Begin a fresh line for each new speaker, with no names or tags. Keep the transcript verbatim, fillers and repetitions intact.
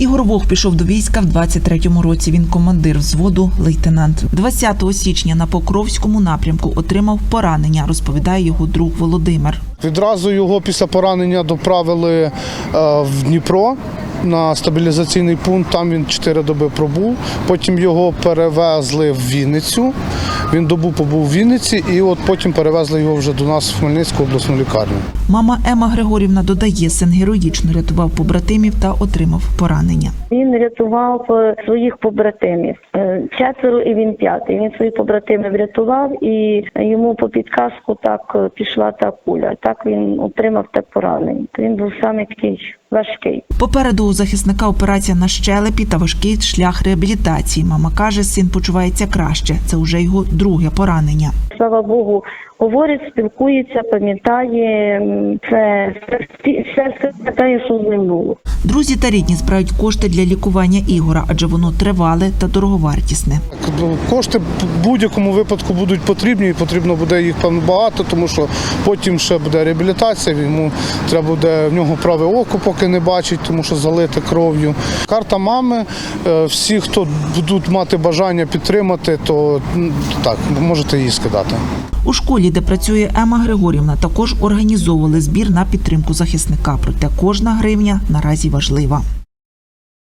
Ігор Вог пішов до війська в двадцять третьому році. Він командир взводу, лейтенант. двадцятого січня на Покровському напрямку отримав поранення, розповідає його друг Володимир.
Відразу його після поранення доправили в Дніпро на стабілізаційний пункт, там він чотири доби пробув. Потім його перевезли в Вінницю, він добу побув в Вінниці і от потім перевезли його вже до нас в Хмельницьку обласну лікарню.
Мама Ема Григорівна додає, син героїчно рятував побратимів та отримав поранення.
Він рятував своїх побратимів. Четверо і він п'ятий. Він своїх побратимів врятував і йому по підказку так пішла та куля. Так він отримав те поранення. Він був саме такий важкий.
Попереду у захисника операція на щелепі та важкий шлях реабілітації. Мама каже, син почувається краще. Це вже його друге поранення.
Слава Богу, говорить, спілкується, пам'ятає, це все пам'ятає, що з ним було.
Друзі та рідні збирають кошти для лікування Ігора, адже воно тривале та дороговартісне.
Кошти в будь-якому випадку будуть потрібні, і потрібно буде їх певно багато, тому що потім ще буде реабілітація, йому треба буде, в нього праве око поки не бачить, тому що залите кров'ю. Карта мами, всі, хто будуть мати бажання підтримати, то так, можете її скидати.
У школі, де працює Ема Григорівна, також організовували збір на підтримку захисника. Проте кожна гривня наразі важлива.